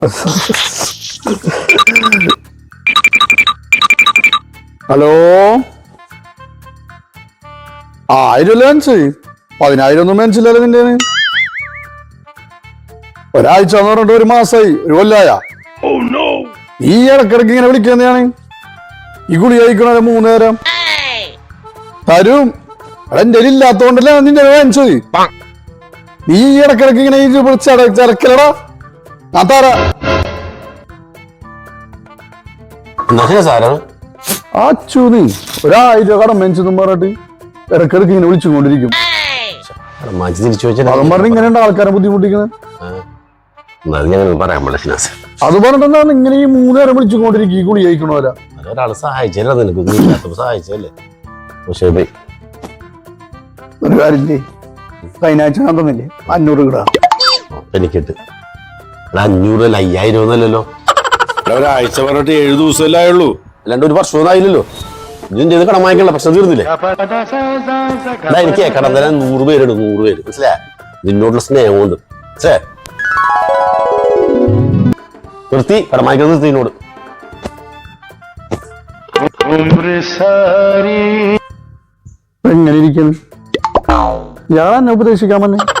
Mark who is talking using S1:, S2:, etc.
S1: hello 1000 men's 10,000 ഒന്നും മെൻസില്ലല്ലോ നിന്റെ ഒരാഴ്ച എന്ന് പറഞ്ഞിട്ട് 1 മാസമായി 1 കൊല്ലായ ഈ ഇടക്കിടക്ക് ഇങ്ങനെ വിളിക്കുന്നതാണ് ഈ ഗുളി കഴിക്കണ 3 നേരം തരും എന്റെ ഇല്ലാത്തോണ്ടല്ലേ നിന്റെ വാങ്ങിച്ചത് നീ ഇടക്കിടക്ക് ഇങ്ങനെ ചരക്കലടാ ഞാൻ തരാ അച്ചു നീ 1000 കടം മെൻസെന്നും പറഞ്ഞിട്ട് ഇടക്കിടക്ക് ഇങ്ങനെ വിളിച്ചുകൊണ്ടിരിക്കും അതും പറഞ്ഞ് ഇങ്ങനെയുണ്ട് ആൾക്കാരെ ബുദ്ധിമുട്ടിക്കുന്നത് അത് പറഞ്ഞിട്ടെന്താണ് ഇങ്ങനെ ഈ 3 നേരം വിളിച്ചുകൊണ്ടിരിക്കും ഈ ഗുളി കഴിക്കണോരാ
S2: ഒരാള് സഹായിച്ചല്ലേ നിനക്ക് സഹായിച്ചല്ലേ
S1: ഒരു കാര്യം കഴിഞ്ഞാഴ്ച ഞാൻ തന്നില്ലേ 500 കിടാ
S2: എനിക്കിട്ട് 500 അല്ല 5000 ഒന്നല്ലല്ലോ
S3: ഒരാഴ്ച പറഞ്ഞിട്ട് 7 ദിവസമല്ലേ ആയുള്ളൂ
S2: അല്ലാണ്ട് 1 വർഷം ആയില്ലല്ലോ ഇതിന്റെ ഇത് കടം വാങ്ങിക്കണ്ട പ്രശ്നം തീർന്നില്ലേ എനിക്ക് കടം തരാൻ 100 പേരുണ്ട് 100 പേര് മനസ്സിലാ നിന്നോടുള്ള സ്നേഹം കൊണ്ട് നിർത്തി കടം വാങ്ങിക്കുന്നത് നിർത്തി എന്നോട്
S1: എങ്ങനെ ഇരിക്കുന്നു ഞാൻ എന്നെ ഉപദേശിക്കാൻ വന്നേ